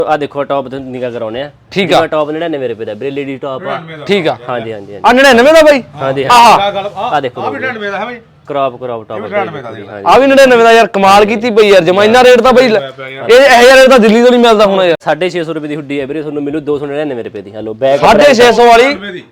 ਆ ਦੇਖੋ ਟੌਪ ਤੇ ਨਿਗਾ ਕਰਾਉਣੇ ਆ। ਠੀਕ ਆ। ਟੌਪ 99 ਰੁਪਏ ਦਾ ਵੀਰੇ, ਲੇਡੀ ਟੌਪ ਆ। ਠੀਕ ਆ। ਹਾਂਜੀ ਹਾਂਜੀ ਆ 99 ਦਾ ਬਾਈ। ਹਾਂਜੀ ਆ ਦੇਖੋ ਆ ਵੀ 99 ਦਾ ਹੈ ਬਾਈ। ਕ੍ਰੌਪ ਟੌਪ ਆ ਵੀ 99 ਦਾ ਯਾਰ, ਕਮਾਲ ਕੀਤੀ ਪਈ ਯਾਰ ਜਮਾ। ਇੰਨਾ ਰੇਟ ਤਾਂ ਬਾਈ ਇਹ ਯਾਰ ਤਾਂ ਦਿੱਲੀ ਤੋਂ ਨਹੀਂ ਮਿਲਦਾ ਹੁਣ ਯਾਰ। 650 ਰੁਪਏ ਦੀ ਹੁੱਡੀ ਹੈ ਵੀਰੇ, ਤੁਹਾਨੂੰ ਮਿਲੂ 299 ਰੁਪਏ ਦੀ। ਹਲੋ ਬੈਗ 650 ਵਾਲੀ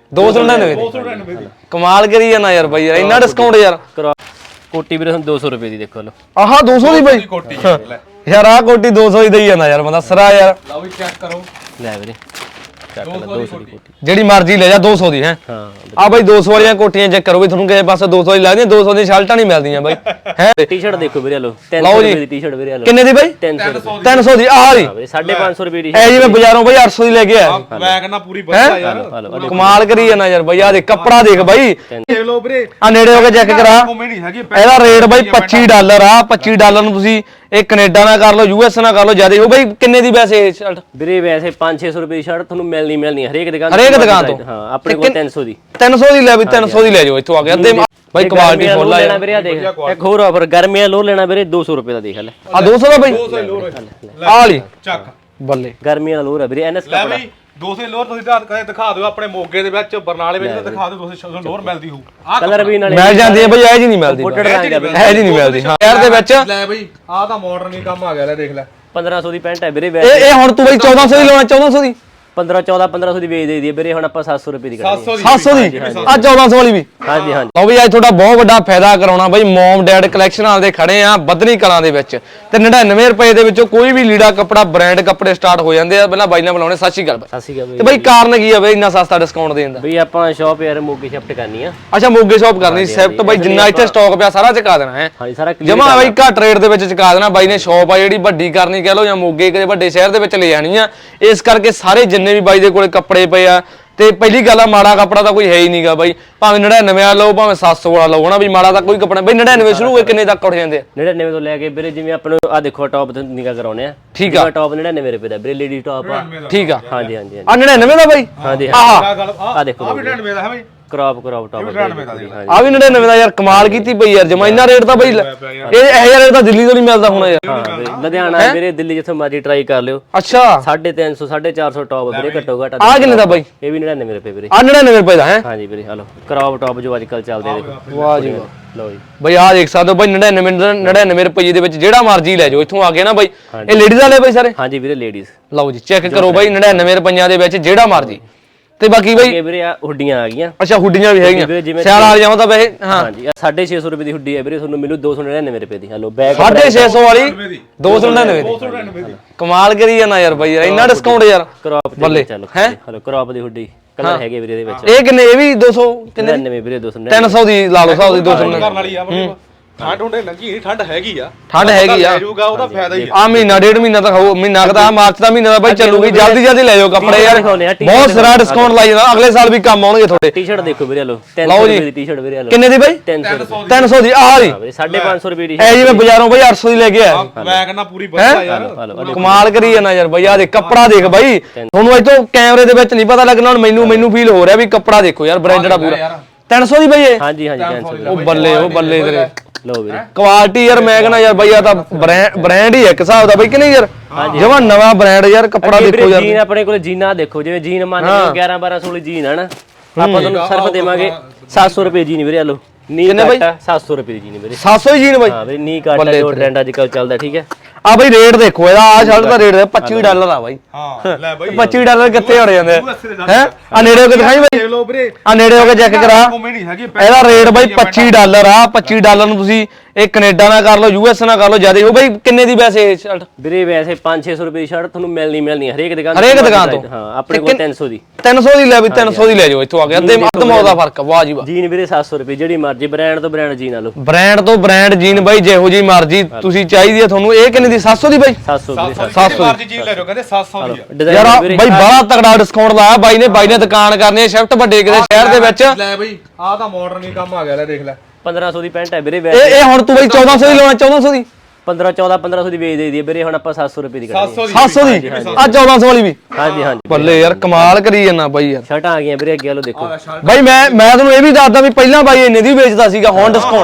299 ਦੀ। ਕਮਾਲ ਕਰੀ ਜਾਣਾ ਯਾਰ ਬਾਈ, ਯਾਰ ਇੰਨਾ ਡਿਸਕਾਊਂਟ ਯਾਰ। ਕੋਟੀ ਵੀਰੇ ਤੁਹਾਨੂੰ 200 ਰੁਪਏ ਦੀ ਦੇਖੋ। ਹਲੋ ਆਹਾ 200 ਦੀ ਬਾਈ ਯਾਰ, ਆ ਕੋਟੀ 200 ਦੀ ਦੇਈ ਜਾਂਦਾ ਯਾਰ ਬੰਦਾ ਸਰਾ ਯਾਰ। ਲਓ ਵੀ ਚੈੱਕ ਕਰੋ ਲੈ ਵੀਰੇ, ਚੱਕ ਲੈ 200 ਦੀ ਕੋਟੀ ਜਿਹੜੀ ਮਰਜ਼ੀ ਲੈ ਜਾ 200 ਦੀ ਹੈ। ਹਾਂ ਆ ਬਾਈ 200 ਵਾਲੀਆਂ ਕੋਟੀਆਂ ਚੈੱਕ ਕਰੋ ਵੀ ਤੁਹਾਨੂੰ ਕਿਸੇ ਪਾਸੇ 200 ਦੀ ਲੱਗਦੀਆਂ, 200 ਦੀ ਸ਼ਰਟਾਂ ਨਹੀਂ ਮਿਲਦੀਆਂ ਬਾਈ ਹੈ। ਟੀ-ਸ਼ਰਟ ਦੇਖੋ ਵੀਰੇ, ਹਲੋ 300 ਰੁਪਏ ਦੀ ਟੀ-ਸ਼ਰਟ ਵੀਰੇ। ਹਲੋ ਕਿੰਨੇ ਦੀ ਬਾਈ? 300 ਦੀ। ਆਹ ਵਾਲੀ 550 ਰੁਪਏ ਦੀ। ਐ ਜੀ ਮੈਂ ਬਾਜ਼ਾਰੋਂ ਬਾਈ 800 ਦੀ ਲੈ ਕੇ ਆਇਆ। ਮੈਂ ਕਹਿੰਦਾ ਪੂਰੀ ਵਧੀਆ ਯਾਰ, ਕਮਾਲ ਕਰੀ ਜਾਣਾ ਯਾਰ ਬਾਈ। ਆ ਦੇ ਕੱਪੜਾ ਦੇਖ ਬਾਈ, ਦੇਖ ਲਓ ਵੀਰੇ। ਆ ਨੇੜੇ ਹੋ ਕੇ ਚੈੱਕ ਕਰਾ। ਨਹੀਂ ਹੈਗੀ ਇਹਦਾ ਰੇਟ ਬਾਈ $25 ਆ। $25 ਨੂੰ ਤੁਸੀਂ ਇਹ ਕੈਨੇਡਾ ਨਾਲ ਕਰ ਲਓ, US ਨਾਲ ਕਰ ਲਓ, ਜਿਆਦਾ ਉਹ ਬਾਈ ਕਿੰਨੇ ਦੀ ਵੈਸੇ ਸ਼ਰਟ? ਵੀਰੇ ਵੈਸੇ 500-600 ਰੁਪਏ ਦੀ ਸ਼ਰਟ ਤੁਹਾਨੂੰ ਮਿਲਣੀ ਹਰੇਕ ਦੁਕਾਨ ਤੋਂ। ਹਾਂ ਆਪਣੇ ਕੋਲ 300 ਦੀ। 300 ਦੀ ਲੈ ਵੀ 300 ਦੀ ਲੈ ਜਾਓ ਇੱਥੋਂ ਆ ਕੇ। ਅੱਧੇ ਬਾਈ ਕੁਆਲਿਟੀ ਫੁੱਲ ਆ ਲੈਣਾ ਵੀਰੇ। ਆ ਦੇਖ ਇੱਕ ਹੋਰ ਆਫਰ, ਗਰਮੀਆਂ ਲੋ ਲੈਣਾ ਵੀਰੇ 200 ਰੁਪਏ ਦਾ। ਦੇਖ ਲੈ ਆ 200 ਦਾ ਬਾਈ। ਆ ਵਾਲੀ ਚੱਕ ਬੱਲੇ ਗਰਮੀਆਂ ਦਾ ਲੋਰ ਆ ਵੀਰੇ। ਐਨਐਸ ਲੈ ਬਈ 200 ਲੋਰ ਤੁਸੀਂ ਕਦੇ ਦਿਖਾ ਦਿਓ ਆਪਣੇ ਮੋਗੇ ਦੇ ਵਿੱਚ, ਬਰਨਾਲੇ ਵਿੱਚ ਤਾਂ ਦਿਖਾ ਦਿਓ 200 ਲੋਰ ਮਿਲਦੀ ਹੋਊ। ਕਲਰ ਵੀ ਨਾਲੇ ਮਿਲ ਜਾਂਦੀ ਹੈ ਬਈ, ਇਹ ਜੀ ਨਹੀਂ ਮਿਲਦੀ। ਇਹ ਜੀ ਨਹੀਂ ਮਿਲਦੀ ਹਾਂ ਸ਼ਹਿਰ ਦੇ ਵਿੱਚ। ਲੈ ਬਈ ਆਹ ਤਾਂ ਮਾਡਰਨ ਹੀ ਕੰਮ ਆ ਗਿਆ। ਲੈ ਦੇਖ ਲੈ 1500 ਦੀ ਪੈਂਟ ਹੈ ਵੀਰੇ। ਇਹ ਹੁਣ ਤੂੰ ਬਈ 1400 ਦੀ ਲਾਉਣਾ, 1400 ਦੀ 1500 ਦੀ ਵੇਚ ਦੇਈ ਦੀ ਵੀਰੇ। ਹੁਣ ਆਪਾਂ 700 ਰੁਪਏ ਦੀ ਕਰਾਂਗੇ। 700 ਦੀ ਆ 1400 ਵਾਲੀ ਵੀ। ਹਾਂਜੀ ਹਾਂਜੀ ਲਓ ਵੀ ਅੱਜ ਤੁਹਾਡਾ ਬਹੁਤ ਵੱਡਾ ਫਾਇਦਾ ਕਰਾਉਣਾ ਬਾਈ। ਮਮ ਡੈਡ ਕਲੈਕਸ਼ਨ ਵਾਲੇ ਖੜੇ ਆ ਬੱਧਨੀ ਕਲਾਂ ਦੇ ਵਿੱਚ, ਤੇ 99 ਰੁਪਏ ਦੇ ਵਿੱਚੋਂ ਕੋਈ ਵੀ ਲੀੜਾ ਕੱਪੜਾ ਬ੍ਰਾਂਡ ਕੱਪੜੇ ਸਟਾਰਟ ਹੋ ਜਾਂਦੇ ਆ। ਪਹਿਲਾਂ ਬਾਈ ਨਾਲ ਬੁਲਾਉਣੇ। ਸਤਿ ਸ਼੍ਰੀ ਅਕਾਲ ਬਾਈ। ਸਤਿ ਸ਼੍ਰੀ ਅਕਾਲ ਤੇ ਬਾਈ ਕਾਰਨ ਕੀ ਆ ਬਾਈ ਇੰਨਾ ਸਸਤਾ ਡਿਸਕਾਊਂਟ ਦੇਣ ਦਾ? ਬਈ ਆਪਾਂ ਸ਼ਾਪ ਯਾਰ ਮੋਗੇ ਸ਼ਿਫਟ ਕਰਨੀ ਆ। ਅੱਛਾ ਮੋਗੇ ਸ਼ਾਪ ਕਰਨੀ ਸ਼ਿਫਟ ਬਾਈ। ਜਿੰਨਾ ਇੱਥੇ ਸਟਾਕ ਪਿਆ ਸਾਰਾ ਚੁਕਾ ਦੇਣਾ ਹੈ। ਹਾਂਜੀ ਸਾਰਾ ਜਮਾ ਬਾਈ ਘੱਟ ਰੇਟ ਦੇ ਵਿੱਚ ਚੁਕਾ ਦੇਣਾ ਬਾਈ ਨੇ। ਸ਼ਾਪ ਆ ਜਿਹੜੀ ਵੱਡੀ ਕਰਨੀ ਕਹਿ ਲਓ, ਜਾਂ ਮੋਗੇ ਕਿਸੇ ਵੱਡੇ ਸ਼ਹਿਰ ਦੇ ਵਿੱਚ ਲੈ ਜਾਣੀ ਆ। ਇਸ ਕਰਕੇ ਸਾਰੇ ਜਿੰਨੇ ਵੀ ਬਾਈ ਦੇ ਕੋਲੇ ਕੱਪੜੇ ਪਏ ਆ, ਤੇ ਪਹਿਲੀ ਗੱਲ ਆ ਮਾੜਾ ਕੱਪੜਾ ਤਾਂ ਕੋਈ ਹੈ ਹੀ ਨਹੀਂਗਾ ਬਾਈ। ਭਾਵੇਂ 99 ਵਾਲਾ ਲਓ, ਭਾਵੇਂ 700 ਵਾਲਾ ਲਓ, ਹਨਾ ਵੀ ਮਾੜਾ ਤਾਂ ਕੋਈ ਕੱਪੜਾ ਬਈ 99 ਸ਼ੁਰੂ ਹੋਏ ਕਿੰਨੇ ਤੱਕ ਉੱਠ ਜਾਂਦੇ ਆ? 99 ਤੋਂ ਲੈ ਕੇ ਵੀਰੇ ਜਿਵੇਂ ਆਪਾਂ ਨੂੰ ਆ ਦੇਖੋ ਟੌਪ ਤੇ ਨਿਗਾ ਕਰਾਉਣੇ ਆ। ਠੀਕ ਆ। ਟੌਪ 99 ਰੁਪਏ ਦਾ ਵੀਰੇ, ਲੇਡੀ ਟੌਪ ਆ। ਠੀਕ ਆ। ਹਾਂਜੀ ਹਾਂਜੀ ਆ 99 ਦਾ ਬਾਈ। ਹਾਂਜੀ ਆ ਦੇਖੋ ਆ ਵੀ 99 ਦਾ ਹੈ ਬਈ। ਕ੍ਰੌਪ ਟੌਪ ਆ ਵੀ 99 ਦਾ ਯਾਰ, ਕਮਾਲ ਕੀਤੀ ਪਈ ਯਾਰ ਜਮਾ। ਇੰਨਾ ਰੇਟ ਤਾਂ ਬਈ ਇਹ ਯਾਰ ਤਾਂ ਦਿੱਲੀ ਤੋਂ ਨਹੀਂ ਮਿਲਦਾ ਹੁਣ ਯਾਰ। ਹਾਂ ਲੁਧਿਆਣਾ ਵੀਰੇ, ਦਿੱਲੀ ਜਿੱਥੇ ਮਰਜ਼ੀ ਟਰਾਈ ਕਰ ਲਿਓ। ਅੱਛਾ 350 450 ਟੌਪ ਵੀਰੇ ਘੱਟੋ ਘੱਟ। ਆ ਕਿੰਨੇ ਦਾ ਬਾਈ? ਇਹ ਵੀ 99 ਰੁਪਏ ਵੀਰੇ। ਆ 99 ਰੁਪਏ ਦਾ ਹੈ। ਹਾਂਜੀ ਵੀਰੇ ਹਲੋ ਕ੍ਰੌਪ ਟੌਪ ਜੋ ਅੱਜ ਕੱਲ ਚੱਲਦੇ ਦੇਖੋ। ਵਾਹ ਜੀ ਵਾਹ। ਲਓ ਜੀ ਬਈ ਆ ਦੇਖ ਸਕਦੇ ਹੋ ਬਾਈ 99 ਰੁਪਏ ਦੇ ਵਿੱਚ ਜਿਹੜਾ ਮਰਜ਼ੀ ਲੈ ਜਾਓ ਇੱਥੋਂ ਆ ਕੇ ਨਾ ਬਾਈ। ਇਹ ਲੇਡੀਜ਼ ਵਾਲੇ ਬਾਈ ਸਾਰੇ? ਹਾਂਜੀ ਵੀਰੇ ਲੇਡੀਜ਼। ਲਓ ਜੀ ਚੈੱਕ ਕਰੋ ਬਾਈ 99 ਰੁਪਈਆਂ ਦੇ ਵਿੱਚ ਜਿਹੜਾ ਮਰਜ਼ੀ। ਤੇ ਬਾਕੀ ਬਾਈ ਇਹ ਵੀਰੇ ਆ ਹੁੱਡੀਆਂ ਆ ਗਈਆਂ। ਅੱਛਾ ਹੁੱਡੀਆਂ ਵੀ ਹੈਗੀਆਂ ਸਿਆਲ ਵਾਲੀਆਂ ਤਾਂ ਵੈਸੇ। ਹਾਂ ਹਾਂਜੀ 650 ਰੁਪਏ ਦੀ ਹੁੱਡੀ ਹੈ ਵੀਰੇ, ਤੁਹਾਨੂੰ ਮਿਲੂ 299 ਰੁਪਏ ਦੀ। ਹਲੋ ਬੈਗ 650 ਵਾਲੀ 299 ਦੀ। ਕਮਾਲ ਕਰੀ ਜਾਣਾ ਯਾਰ ਬਾਈ, ਯਾਰ ਇੰਨਾ ਡਿਸਕਾਊਂਟ ਯਾਰ। ਕ੍ਰੌਪ ਬੱਲੇ ਚਲੋ ਹੈ। ਹਲੋ ਕ੍ਰੌਪ ਦੀ ਹੁੱਡੀ ਕਲਰ ਹੈਗੇ ਵੀਰੇ ਇਹਦੇ ਵਿੱਚ। ਇਹ ਕਿੰਨੇ? ਇਹ ਵੀ 200 ਕਿੰਨੇ? 99 ਵੀਰੇ 299। 300 ਦੀ ਲਾ ਲਓ ਹਿਸਾਬ ਦੀ। 299 ਕਰਨ ਵਾਲੀ ਆ। ਠੰਡ ਹੁੰਦੇ ਲੱਗੀ ਨਹੀਂ, ਠੰਡ ਹੈਗੀ ਆ। ਠੰਡ ਹੈਗੀ ਆ। ਲੈ ਜਾਊਗਾ ਉਹਦਾ ਫਾਇਦਾ ਹੀ ਆ ਮਹੀਨਾ ਡੇਢ ਮਹੀਨਾ ਤਾਂ ਖਾਓ। ਮਹੀਨਾ ਕਦਾ ਮਾਰਚ ਦਾ ਮਹੀਨਾ ਦਾ ਬਾਈ ਚੱਲੂਗੀ। ਜਲਦੀ ਲੈ ਜਾਓ ਕੱਪੜੇ ਯਾਰ, ਬਹੁਤ ਸਾਰਾ ਡਿਸਕਾਊਂਟ ਲਾਈ ਜਾਂਦਾ। ਅਗਲੇ ਸਾਲ ਵੀ ਕੰਮ ਆਉਣਗੇ ਤੁਹਾਡੇ। ਟੀ-ਸ਼ਰਟ ਦੇਖੋ ਵੀਰੇ, ਹਲੋ 300 ਰੁਪਏ ਦੀ ਟੀ-ਸ਼ਰਟ ਵੀਰੇ। ਹਲੋ ਕਿੰਨੇ ਦੀ ਬਾਈ? 300 ਦੀ। ਆਹ ਵਾਲੀ 550 ਰੁਪਏ ਦੀ। ਐ ਜੀ ਮੈਂ ਬਾਜ਼ਾਰੋਂ ਬਾਈ 800 ਦੀ ਲੈ ਕੇ ਆਇਆ। ਮੈਂ ਕਹਿੰਦਾ ਪੂਰੀ ਵਧੀਆ ਯਾਰ। ਕਮਾਲ ਕਰੀ ਜਾਣਾ ਯਾਰ ਬਾਈ। ਆ ਦੇ ਕੱਪੜਾ ਦੇਖ ਬਾਈ, ਤੁਹਾਨੂੰ ਇੱਥੋਂ ਕੈਮਰੇ ਦੇ ਵਿੱਚ ਨਹੀਂ ਪਤਾ ਲੱਗਣਾ। ਹੁਣ ਮੈਨੂੰ ਫੀਲ ਹੋ ਰਿਹਾ ਵੀ ਕੱਪੜਾ ਦੇਖੋ ਯਾਰ, ਬ੍ਰਾਂਡਡ ਆ ਪੂਰਾ। 300 ਦੀ ਬਾਈ ਇਹ? ਹਾਂਜੀ 300 ਉਹ ਬੱਲੇ ਤੇਰੇ। ਲਓ ਵੀਰੇ ਕੁਆਲਿਟੀ ਯਾਰ ਮੈਂ ਕਹਿੰਦਾ ਯਾਰ ਬਾਈ ਆ ਤਾਂ ਬ੍ਰਾਂਡ ਹੀ ਇੱਕ ਹਿਸਾਬ ਦਾ ਬਾਈ ਕਿ ਨਹੀਂ ਯਾਰ? ਜਮਾ ਨਵਾਂ ਬ੍ਰਾਂਡ ਯਾਰ। ਕੱਪੜਾ ਦੇਖੋ ਯਾਰ। ਜੀਨ ਆਪਣੇ ਕੋਲ ਜੀਨਾਂ ਦੇਖੋ, ਜਿਵੇਂ ਜੀਨ ਮੰਨ ਲਓ 11 1200 ਵਾਲੀ ਜੀਨ ਹੈ ਨਾ, ਆਪਾਂ ਤੁਹਾਨੂੰ ਸਿਰਫ ਦੇਵਾਂਗੇ 700 ਰੁਪਏ ਜੀਨ ਵੀਰੇ। ਹਲੋ ਨੀ ਕੱਟ 700 ਰੁਪਏ ਦੀ ਜੀਨ ਵੀਰੇ। 700 ਦੀ ਜੀਨ ਬਾਈ? ਹਾਂ ਵੀਰੇ ਨੀ ਕੱਟ ਜੋ ਟ੍ਰੈਂਡ ਅੱਜ ਕੱਲ ਚੱਲਦਾ। ਠੀਕ ਹੈ ਆ ਬਾਈ ਰੇਟ ਦੇਖੋ ਇਹਦਾ। ਆ ਸ਼ਰਟ ਦਾ ਰੇਟ $25 ਆ ਬਾਈ। ਹਾਂ ਲੈ ਬਾਈ $25 ਕਿੱਥੇ ਹੋਣੇ ਜਾਂਦੇ ਹੈ? ਆ ਨੇੜੇ ਹੋ ਕੇ ਦਿਖਾਈ ਬਾਈ। ਦੇਖ ਲਓ ਵੀਰੇ, ਆ ਨੇੜੇ ਹੋ ਕੇ ਚੈੱਕ ਕਰਾ। ਨਹੀਂ ਹੈਗੀ। ਇਹਦਾ ਰੇਟ ਬਾਈ $25 ਆ। $25 ਨੂੰ ਤੁਸੀਂ ਇਹ ਕੈਨੇਡਾ ਨਾਲ ਕਰ ਲਓ, US ਨਾਲ ਕਰ ਲਓ, ਜਿਆਦਾ ਉਹ ਬਾਈ ਕਿੰਨੇ ਦੀ ਵੈਸੇ ਸ਼ਰਟ? ਵੀਰੇ ਵੈਸੇ 500-600 ਰੁਪਏ ਦੀ ਸ਼ਰਟ ਤੁਹਾਨੂੰ ਮਿਲਣੀ ਹਰੇਕ ਦੁਕਾਨ ਤੋਂ। ਹਾਂ ਆਪਣੇ ਕੋਲ 300 ਦੀ। 300 ਦੀ ਲੈ ਵੀ 300 ਦੀ ਲੈ ਜਾਓ ਇੱਥੋਂ ਆ ਕੇ। ਅੱਧੇ ਮੌਤ ਦਾ ਫਰਕ। ਵਾਹ ਜੀ ਵਾਹ। ਜੀਨ ਵੀਰੇ 700 ਰੁਪਏ ਜਿਹੜੀ ਮਰਜ਼ੀ ਬ੍ਰਾਂਡ ਤੋਂ ਬ੍ਰਾਂਡ ਜੀਨ ਆ ਲਓ। ਬ੍ਰਾਂਡ ਤੋਂ ਬ੍ਰਾਂਡ ਜੀਨ ਬਾਈ ਜਿਹੋ ਜੀ ਮਰਜ਼ੀ ਤੁਸੀਂ ਚਾਹੀਦੀ ਆ ਤੁਹਾਨੂੰ। ਇਹ ਕਿੰਨੇ ਦੀ? 700 ਦੀ ਬਾਈ? 700 ਮਰਜ਼ੀ ਚੀਜ਼ ਲੈ ਜਾਓ, ਕਹਿੰਦੇ 700 ਦੀ ਆ। ਯਾਰ ਬਾਈ ਬੜਾ ਤਗੜਾ ਡਿਸਕਾਊਂਟ ਲਾਇਆ ਬਾਈ ਨੇ। ਬਾਈ ਨੇ ਦੁਕਾਨ ਕਰਨੀ ਹੈ ਸ਼ਿਫਟ ਵੱਡੇ ਕਿਤੇ ਸ਼ਹਿਰ ਦੇ ਵਿੱਚ। ਲੈ ਬਈ ਆਹ ਤਾਂ ਮਾਡਰਨ ਹੀ ਕੰਮ ਆ ਗਿਆ। ਲੈ ਦੇਖ ਲੈ 1500 ਦੀ ਪੈਂਟ ਹੈ ਵੀਰੇ। ਇਹ ਹੁਣ ਤੂੰ ਬਾਈ 1400 ਦੀ ਲਾਉਣਾ? 1400 ਦੀ 15 1400 ਦੀ ਵੇਚ ਦੇਈਦੀ ਹੈ ਵੀਰੇ, ਹੁਣ ਆਪਾਂ 700 ਰੁਪਏ ਦੀ ਕਰਾਂਗੇ। 700 ਦੀ ਆ 1400 ਵਾਲੀ ਵੀ ਹਾਂਜੀ ਹਾਂਜੀ ਬੱਲੇ ਯਾਰ ਕਮਾਲ ਕਰੀ ਜਾਂਦਾ ਬਾਈ ਯਾਰ। ਸ਼ਰਟਾਂ ਆ ਗਈਆਂ ਵੀਰੇ ਅੱਗੇ ਵਾਲੋ ਦੇਖੋ ਬਾਈ ਮੈਂ ਤੁਹਾਨੂੰ ਇਹ ਵੀ ਦੱਸਦਾ ਵੀ ਪਹਿਲਾਂ ਬਾਈ ਇੰਨੇ ਦੀ ਵੇਚਦਾ ਸੀਗਾ, ਹੁਣ ਡਿਸਕਾਊਂਟ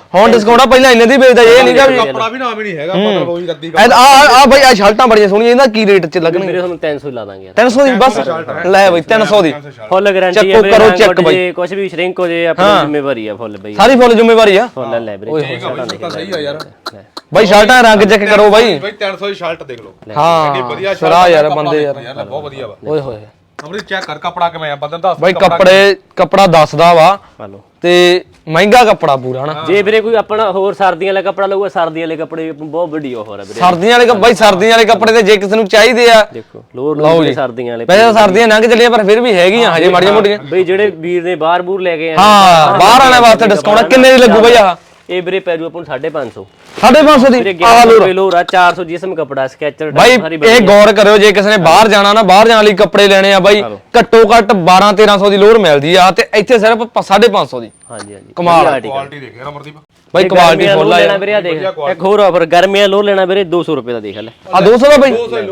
ਆ ਪਹਿਲਾਂ ਇੰਨੇ ਦੀ ਵੇਚਦਾ, ਇਹ ਨਹੀਂਗਾ ਵੀ ਕੱਪੜਾ ਵੀ ਨਾਮ ਹੀ ਨਹੀਂ ਹੈਗਾ, ਮਤਲਬ ਉਹੀ ਰੱਦੀ ਆ ਬਾਈ ਆ ਸ਼ਰਟਾਂ ਬੜੀਆਂ ਸੋਹਣੀਆਂ, ਇਹਦਾ ਕੀ ਰੇਟ ਚ ਲੱਗਣਗੇ? ਵੀਰੇ ਤੁਹਾਨੂੰ 300 ਲਾ ਦਾਂਗੇ 300 ਦੀ ਬਸ ਲੈ ਬਾਈ 300 ਦੀ ਫੁੱਲ ਗਾਰੰਟੀ ਹੈ ਚੈੱਕ ਕਰੋ, ਚੈੱਕ ਬਾਈ। ਜੇ ਕੁਝ ਵੀ ਸ਼ਰਿੰਕ ਹੋ ਜੇ ਆਪਣੀ ਜ਼ਿੰਮੇਵਾਰੀ ਆ ਫੁੱਲ ਬਈ, ਸਾਰੀ ਫੁੱਲ ਜ਼ਿੰਮੇਵਾਰੀ ਆ ਫੁੱਲ ਲੈ ਵੀਰੇ ਤਾਂ ਸਹੀ ਆ ਯਾਰ ਬਾਈ। ਸ਼ਰਟਾਂ ਰੰਗ ਚੈੱਕ ਕਰੋ ਬਾਈ। ਬਾਈ 300 ਦੀ ਸ਼ਰਟ ਦੇਖ ਲਓ, ਹਾਂ ਵਧੀਆ ਸਰਾ ਯਾਰ ਬੰਦੇ ਯਾਰ ਬਹੁਤ ਵਧੀਆ ਵਾ। ਓਏ ਹੋਏ ਅਮਰੀ ਚੈੱਕ ਕਰ ਕੱਪੜਾ ਕਿਵੇਂ ਆ, ਬੰਦੇ ਦੱਸ ਬਾਈ ਕੱਪੜਾ ਦੱਸਦਾ ਵਾ ਹਾਲੋ ਤੇ ਮਹਿੰਗਾ ਕੱਪੜਾ ਪੂਰਾ ਹਨਾ। ਜੇ ਵੀਰੇ ਕੋਈ ਆਪਣਾ ਹੋਰ ਸਰਦੀਆਂ ਵਾਲਾ ਕੱਪੜਾ ਲਊਗਾ, ਸਰਦੀਆਂ ਵਾਲੇ ਕੱਪੜੇ ਬਹੁਤ ਵੱਡੀ ਆਫਰ ਆ ਵੀਰੇ। ਸਰਦੀਆਂ ਵਾਲੇ ਬਾਈ ਸਰਦੀਆਂ ਵਾਲੇ ਕੱਪੜੇ ਤੇ ਜੇ ਕਿਸੇ ਨੂੰ ਚਾਹੀਦੇ ਆ ਦੇਖੋ ਲੋਰ ਲਓ ਸਰਦੀਆਂ ਵਾਲੇ ਵੈਸੇ ਸਰਦੀਆਂ ਲੰਘ ਚੱਲੀਆਂ ਪਰ ਫਿਰ ਵੀ ਹੈਗੀਆਂ ਹਜੇ ਮਾੜੀਆਂ ਮੋਟੀਆਂ। ਬਈ ਜਿਹੜੇ ਵੀਰ ਨੇ ਬਾਹਰ ਬੂਰ ਲੈ ਕੇ ਆਏ ਹਾਂ ਬਾਹਰ ਆਣੇ ਵਾਸਤੇ ਡਿਸਕਾਊਂਟ ਕਿੰਨੇ ਦੀ ਲੱਗੂ ਬਾਈ ਆਹ? ਇਹ ਵੀਰੇ ਪੈ ਜੂ ਆਪਾਂ ਨੂੰ 550 550 ਦੀ ਵੀਰੇ ਆਹ 1100 ਲੋ ਰੁਪਏ ਲੋਰ ਆ, 400 ਜਿਸਮ ਕੱਪੜਾ ਸਕੈਚਰ ਬਾਈ ਇਹ ਗੌਰ ਕਰਿਓ, ਜੇ ਕਿਸੇ ਨੇ ਬਾਹਰ ਜਾਣਾ ਨਾ, ਬਾਹਰ ਜਾਣ ਲਈ ਕੱਪੜੇ ਲੈਣੇ ਆ ਬਾਈ, ਘੱਟੋ ਘੱਟ 12-1300 ਦੀ ਲੋਰ ਮਿਲਦੀ ਆ ਤੇ ਇੱਥੇ ਸਿਰਫ 550 ਦੀ। ਹਾਂਜੀ ਹਾਂਜੀ ਕਮਾਲ ਕੁਆਲਿਟੀ ਦੇਖ ਯਾਰ ਅਮਰਦੀਪ, ਬਾਈ ਕੁਆਲਿਟੀ ਫੁੱਲ ਆ ਲੈਣਾ ਵੀਰੇ ਆ ਦੇਖ, ਇੱਕ ਹੋਰ ਆਫਰ ਗਰਮੀਆਂ ਲੋਰ ਲੈਣਾ ਵੀਰੇ 200 ਰੁਪਏ ਦਾ ਦੇਖ ਲੈ ਆ 200 ਦਾ ਬਾਈ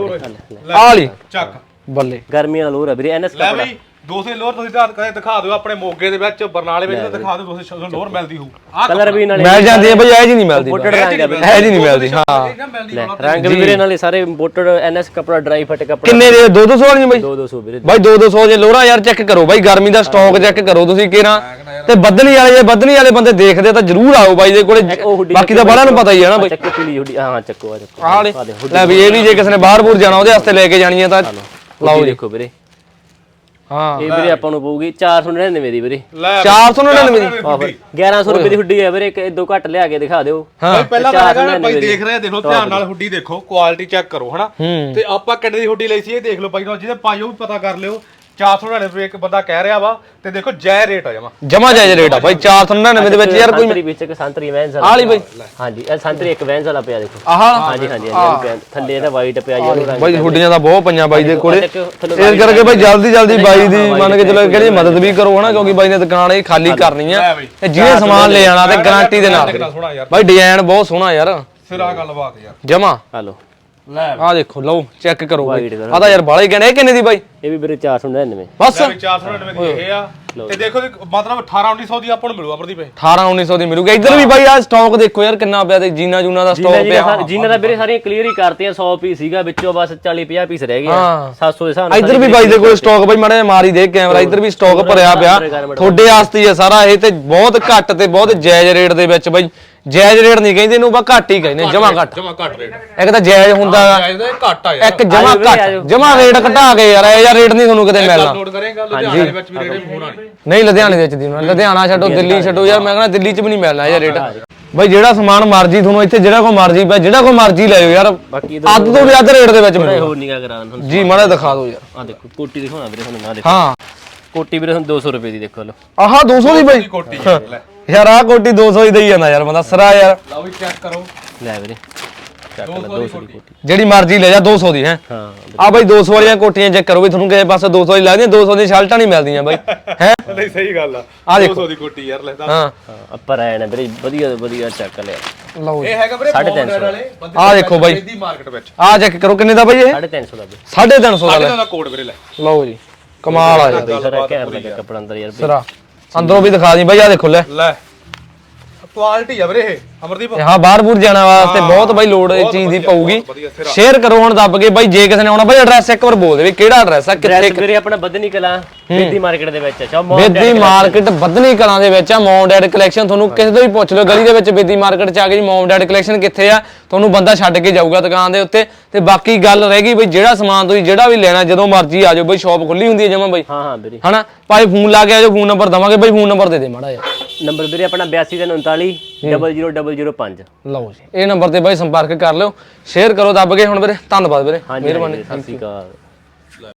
ਆ ਲਈ ਚੱਕ ਬੱਲੇ ਗਰਮੀਆਂ ਦਾ ਲੋਰ ਆ ਵੀਰੇ ਐਨਐਸ ਲੈ ਕੱਪੜਾ। ਬਈ 200 ਲੋਰ ਤੁਸੀਂ ਤਾਂ ਕਦੇ ਦਿਖਾ ਦਿਓ ਆਪਣੇ ਮੋਗੇ ਦੇ ਵਿੱਚ, ਬਰਨਾਲੇ ਵਿੱਚ ਤਾਂ ਦਿਖਾ ਦਿਓ 200 ਲੋਰ ਮਿਲਦੀ ਹੋਊ। ਆਹ ਕਲਰ ਵੀ ਨਾਲੇ ਮਿਲ ਜਾਂਦੀ ਹੈ ਬਾਈ, ਇਹ ਜੀ ਨਹੀਂ ਮਿਲਦੀ, ਇੰਪੋਰਟਡ ਰੰਗ ਆ ਵੀਰੇ, ਇਹ ਜੀ ਨਹੀਂ ਮਿਲਦੀ। ਹਾਂ ਲੈ ਰੰਗ ਵੀ ਵੀਰੇ ਨਾਲੇ ਸਾਰੇ ਇੰਪੋਰਟਡ ਐਨਐਸ ਕੱਪੜਾ ਡਰਾਈ ਫਿੱਟ ਕੱਪੜਾ। ਕਿੰਨੇ ਦੇ 200 ਵਾਲੀਆਂ ਬਾਈ? 200 ਵੀਰੇ ਬਾਈ 200 ਜੇ ਲੋਰਾ ਯਾਰ ਚੈੱਕ ਕਰੋ ਬਾਈ, ਗਰਮੀ ਦਾ ਸਟਾਕ ਚੈੱਕ ਕਰੋ ਤੁਸੀਂ ਕਿਹੜਾ ਤੇ ਬੱਦਨੀ ਵਾਲੇ, ਜੇ ਬੱਦਨੀ ਵਾਲੇ ਬੰਦੇ ਦੇਖਦੇ ਤਾਂ ਜਰੂਰ ਆਓ ਬਾਈ ਦੇ ਕੋਲੇ, ਬਾਕੀ ਤਾਂ ਬੜਾ ਨੂੰ ਪਤਾ ਹੀ ਹੈ ਨਾ ਬਾਈ। ਚੱਕੋ ਪੀਲੀ ਹੁੱਡੀ, ਹਾਂ ਚੱਕੋ ਆ ਚੱਕੋ ਆਹ ਲੈ ਵੀ ਇਹ ਵੀ ਜੇ ਕਿਸੇ ਨੇ ਬਾਹਰ ਬੂਰ ਜਾਣਾ ਉਹਦੇ ਵਾਸਤੇ ਲੈ ਕੇ ਜਾਣੀ ਹੈ ਤਾਂ ਲਓ ਦੇਖੋ ਵੀਰੇ, ਹਾਂ ਇਹ ਵੀਰੇ ਆਪਾਂ ਨੂੰ ਪਊਗੀ 499 ਦੀ ਵੀਰੇ, ਲੈ 499 ਦੀ ਆਫਰ 1100 ਰੁਪਏ ਦੀ ਹੁੱਡੀ ਹੈ ਵੀਰੇ, ਇੱਕ ਦੋ ਘੱਟ ਲਿਆ ਕੇ ਦਿਖਾ ਦਿਓ। ਬਾਈ ਪਹਿਲਾਂ ਤਾਂ ਹੈਗਾ ਨਾ ਬਾਈ, ਦੇਖ ਰਹੇ ਦੇਖੋ ਧਿਆਨ ਨਾਲ ਹੁੱਡੀ ਦੇਖੋ, ਕੁਆਲਿਟੀ ਚੈੱਕ ਕਰੋ ਹਨਾ। ਤੇ ਆਪਾਂ ਕਿੰਨੇ ਦੀ ਹੁੱਡੀ ਲਈ ਸੀ ਇਹ ਦੇਖ ਲਓ ਬਾਈ, ਜਿਹਦੇ ਪਾਈ ਉਹ ਵੀ ਪਤਾ ਕਰ ਲਿਓ। 499 ਰੁਪਏ ਇੱਕ ਬੰਦਾ ਕਹਿ ਰਿਹਾ ਵਾ, ਤੇ ਦੇਖੋ ਜੈ ਰੇਟ ਆ ਜਮਾ ਜਾਇਜ਼ ਰੇਟ ਆ ਬਾਈ 499 ਦੇ ਵਿੱਚ ਯਾਰ ਕੋਈ ਸੰਤਰੀ ਵਿੱਚ ਇੱਕ ਸੰਤਰੀ ਵੈਨਸ ਆਲੀ ਬਾਈ। ਹਾਂਜੀ ਇਹ ਸੰਤਰੀ ਇੱਕ ਵੈਨਸ ਵਾਲਾ ਪਿਆ ਦੇਖੋ, ਆਹ ਹਾਂਜੀ ਹਾਂਜੀ ਥੱਲੇ ਇਹਦਾ ਵਾਈਟ ਪਿਆ ਯੈਲੋ ਰੰਗ ਬਾਈ ਹੁੱਡੀਆਂ ਦਾ ਬਹੁਤ ਪਈਆਂ ਬਾਈ ਦੇ ਕੋਲੇ, ਇਸ ਕਰਕੇ ਬਾਈ ਜਲਦੀ ਬਾਈ ਦੀ ਮੰਨ ਕੇ ਚਲੋ ਕਿਹੜੀ ਮਦਦ ਵੀ ਕਰੋ ਹਨਾ, ਕਿਉਂਕਿ ਬਾਈ ਨੇ ਦੁਕਾਨ ਇਹ ਖਾਲੀ ਕਰਨੀ ਆ ਤੇ ਜਿਹਨੇ ਸਮਾਨ ਲੈ ਜਾਣਾ ਤੇ ਗਾਰੰਟੀ ਦੇ ਨਾਲ ਬਾਈ। ਡਿਜ਼ਾਈਨ ਬਹੁਤ ਸੋਹਣਾ ਯਾਰ, ਸਿਰਾ ਗੱਲਬਾਤ ਯਾਰ ਜਮਾ। ਹਲੋ ਲੈ ਆ ਦੇਖੋ ਲਓ ਚੈੱਕ ਕਰੋ ਬਾਈ, ਆ ਤਾਂ ਯਾਰ ਬਾਲੇ ਕਹਿੰਦੇ ਇਹ ਕਿੰਨੇ ਦੀ ਬਾਈ? ਇਹ ਵੀ ਵੀਰੇ 499 ਬਸ 499 ਦੀ ਇਹ ਆ, ਤੇ ਦੇਖੋ ਮਤਲਬ 18-1900 ਦੀ ਆਪਾਂ ਨੂੰ ਮਿਲੂ ਅਮਰਦੀਪ। 18-1900 ਦੀ ਮਿਲੂਗੀ। ਇੱਧਰ ਵੀ ਬਾਈ ਆ ਸਟਾਕ ਦੇਖੋ ਯਾਰ ਕਿੰਨਾ ਪਿਆ, ਤੇ ਜੀਨਾ ਜੂਨਾ ਦਾ ਸਟਾਕ ਪਿਆ। ਜੀਨਾ ਦਾ ਵੀਰੇ ਸਾਰੀਆਂ ਕਲੀਅਰ ਹੀ ਕਰਤੀਆਂ, 100 ਪੀਸ ਸੀਗਾ ਵਿੱਚੋਂ ਬਸ 40-50 ਪੀਸ ਰਹਿ ਗਏ 700 ਦੇ ਹਿਸਾਬ ਨਾਲ। ਇੱਧਰ ਵੀ ਬਾਈ ਦੇ ਕੋਲ ਸਟਾਕ ਬਾਈ ਮਾੜਾ ਜਿਹਾ ਮਾਰੀ ਦੇ ਕੈਮਰਾ, ਇੱਧਰ ਵੀ ਸਟਾਕ ਭਰਿਆ ਪਿਆ ਤੁਹਾਡੇ ਵਾਸਤੇ ਹੀ ਆ ਸਾਰਾ ਇਹ, ਤੇ ਬਹੁਤ ਘੱਟ ਤੇ ਬਹੁਤ ਜਾਇਜ਼ ਰੇਟ ਦੇ ਵਿੱਚ ਬਾਈ। ਜਾਇਜ਼ ਰੇਟ ਨਹੀਂ ਕਹਿੰਦੇ ਇਹਨੂੰ, ਬਾ ਘੱਟ ਹੀ ਕਹਿੰਦੇ, ਜਮਾ ਘੱਟ ਰੇਟ। ਇੱਕ ਤਾਂ ਜਾਇਜ਼ ਹੁੰਦਾ ਇਹਦਾ ਘੱਟ ਆ ਯਾਰ, ਇੱਕ ਜਮਾ ਘੱਟ, ਜਮਾ ਰੇਟ ਘਟਾ ਕੇ ਯਾਰ, ਇਹ ਰੇਟ ਨਹੀਂ ਤੁਹਾਨੂੰ ਕਿਤੇ ਮਿਲਣਾ। ਨੋਟ ਕਰੇਗਾ ਲੁਧਿਆਣੇ ਦੇ ਵਿੱਚ ਵੀ ਰੇਟ ਹੋਣਾ ਨਹੀਂ ਲੁਧਿਆਣੇ ਦੇ ਵਿੱਚ ਦੀ ਲੁਧਿਆਣਾ ਛੱਡੋ, ਦਿੱਲੀ ਛੱਡੋ ਯਾਰ, ਮੈਂ ਕਹਿੰਦਾ ਦਿੱਲੀ 'ਚ ਵੀ ਨਹੀਂ ਮਿਲਣਾ ਇਹ ਰੇਟ ਬਾਈ। ਜਿਹੜਾ ਸਮਾਨ ਮਰਜੀ ਤੁਹਾਨੂੰ ਇੱਥੇ ਜਿਹੜਾ ਕੋਈ ਮਰਜੀ ਪਿਆ, ਜਿਹੜਾ ਕੋਈ ਮਰਜੀ ਲੈ ਜਾਓ ਯਾਰ, ਬਾਕੀ ਅੱਧ ਤੋਂ ਵੀ ਅੱਧ ਰੇਟ ਦੇ ਵਿੱਚ ਮਿਲੇਗਾ। ਹੋਰ ਨਿਗਾ ਕਰਾਂ ਤੁਹਾਨੂੰ ਜੀ ਮਾੜਾ ਦਿਖਾ ਦਿਓ ਯਾਰ, ਆ ਦੇਖੋ ਕੋਟੀ ਦਿਖਾਉਣਾ ਵੀਰੇ ਤੁਹਾਨੂੰ, ਆ ਦੇਖੋ ਹਾਂ ਕੋਟੀ ਵੀਰੇ ਤੁਹਾਨੂੰ 200 ਰੁਪਏ ਦੀ ਦੇਖੋ ਲਓ। ਆਹ 200 ਦੀ ਬਾਈ ਕੋਟੀ ਲੈ ਯਾਰ, ਆਹ ਕੋਟੀ 200 ਹੀ ਦੇਈ ਜਾਂਦਾ ਯਾਰ ਬੰਦਾ ਸਰਾ ਯਾਰ। ਲਓ ਵੀ ਚੈੱਕ ਕਰੋ, ਲੈ ਵੀਰੇ ਚੱਕ ਲੈ 200 ਦੀ ਕੋਟੀ, ਜਿਹੜੀ ਮਰਜ਼ੀ ਲੈ ਜਾ 200 ਦੀ ਹੈ। ਹਾਂ ਆ ਬਾਈ 200 ਵਾਲੀਆਂ ਕੋਟੀਆਂ ਚੈੱਕ ਕਰੋ ਵੀ ਤੁਹਾਨੂੰ ਕਿਸੇ ਪਾਸੇ 200 ਦੀ ਲੱਗਦੀਆਂ, 200 ਦੀ ਸ਼ਰਟਾਂ ਨਹੀਂ ਮਿਲਦੀਆਂ ਬਾਈ ਹੈ। ਨਹੀਂ ਸਹੀ ਗੱਲ ਆ, ਆ ਦੇਖੋ 200 ਦੀ ਕੋਟੀ ਯਾਰ ਲੈ ਦੱਸ। ਹਾਂ ਅੱਪਰ ਆਇਆ ਨਾ ਵੀਰੇ, ਵਧੀਆ ਵਧੀਆ ਚੱਕ ਲਿਆ। ਲਓ ਇਹ ਹੈਗਾ ਵੀਰੇ 350 ਵਾਲੇ ਬੰਦੇ ਆ ਦੇਖੋ ਬਾਈ, ਦੀ ਮਾਰਕੀਟ ਵਿੱਚ ਆ ਚੈੱਕ ਕਰੋ ਕਿੰਨੇ ਦਾ ਬਾਈ ਇਹ? 350 ਦਾ ਵੀਰੇ, 350 ਦਾ ਲੈ। ਇਹਦਾ ਕੋਡ ਵੀਰੇ ਲੈ ਲਓ ਜੀ ਕਮਾਲ ਆ ਯਾਰ, ਸਾਰਾ ਘੈਂਟ ਲੱਗਾ ਕੱਪੜਾ ਅੰਦਰ ਯਾਰ। ਸਰਾ ਅੰਦਰੋਂ ਵੀ ਦਿਖਾ ਦੀ ਬਾਈ, ਆ ਦੇਖੋ ਲੈ ਲੈ ਕੁਆਲਿਟੀ ਆ ਵੀਰੇ ਇਹ ਅਮਰਦੀਪ। ਹਾਂ ਬਾਹਰ ਬੂਰ ਜਾਣ ਵਾਸਤੇ ਬਹੁਤ ਬਾਈ ਲੋੜ ਇਸ ਚੀਜ਼ ਦੀ ਪਊਗੀ। ਸ਼ੇਅਰ ਕਰੋ ਹੁਣ ਦੱਬ ਕੇ ਬਾਈ, ਜੇ ਕਿਸੇ ਨੇ ਆਉਣਾ ਬਾਈ ਐਡਰੈਸ ਇੱਕ ਵਾਰ ਬੋਲ ਦੇ ਵੀ ਕਿਹੜਾ ਐਡਰੈਸ ਆ, ਕਿੱਥੇ ਡਰੈਸ ਵੀਰੇ ਆਪਣਾ ਬਦਨੀ ਕਲਾ ਬੇਦੀ ਮਾਰਕੀਟ ਦੇ ਵਿੱਚ ਆ। ਬੇਦੀ ਮਾਰਕੀਟ ਬਦਨੀ ਕਲਾਂ ਦੇ ਵਿੱਚ ਆ। ਮੌਮ ਡੈਡ ਕਲੈਕਸ਼ਨ ਤੁਹਾਨੂੰ ਕਿਸੇ ਤੋਂ ਵੀ ਪੁੱਛ ਲਓ ਗਲੀ ਦੇ ਵਿੱਚ, ਬੇਦੀ ਮਾਰਕੀਟ ਚ ਆ ਕੇ ਜੀ ਮੌਮ ਡੈਡ ਕਲੈਕਸ਼ਨ ਕਿੱਥੇ ਆ, ਤੁਹਾਨੂੰ ਬੰਦਾ ਛੱਡ ਕੇ ਜਾਊਗਾ ਦੁਕਾਨ ਦੇ ਉੱਤੇ। ਤੇ ਬਾਕੀ ਗੱਲ ਰਹਿ ਗਈ ਬਈ ਜਿਹੜਾ ਸਮਾਨ ਤੁਸੀਂ ਜਿਹੜਾ ਵੀ ਲੈਣਾ ਜਦੋਂ ਮਰਜ਼ੀ ਆ ਜਾਓ ਬਈ, ਸ਼ਾਪ ਖੁੱਲੀ ਹੁੰਦੀ ਹੈ ਜਮਾ ਬਈ। ਹਾਂ ਹਾਂ ਵੀਰੇ ਹਨਾ ਭਾਈ ਫੋਨ ਲਾ ਕੇ ਆ ਜਾਓ, ਫੋਨ ਨੰਬਰ ਦਵਾਂਗੇ ਬਈ, ਫੋਨ ਨੰਬਰ ਦੇ ਦੇ ਮਾੜਾ ਜਿਹਾ। ਨੰਬਰ ਵੀਰੇ ਆਪਣਾ 8239 00005। ਲਓ ਜੀ ਇਹ ਨੰਬਰ ਤੇ ਬਾਈ ਸੰਪਰਕ ਕਰ ਲਿਓ, ਸ਼ੇਅਰ ਕਰੋ ਦੱਬ ਕੇ। ਹੁਣ ਵੀਰੇ ਧੰਨਵਾਦ ਵੀਰੇ, ਮਿਹਰਬਾਨੀ, ਸਤਿ ਸ਼੍ਰੀ ਅਕਾਲ।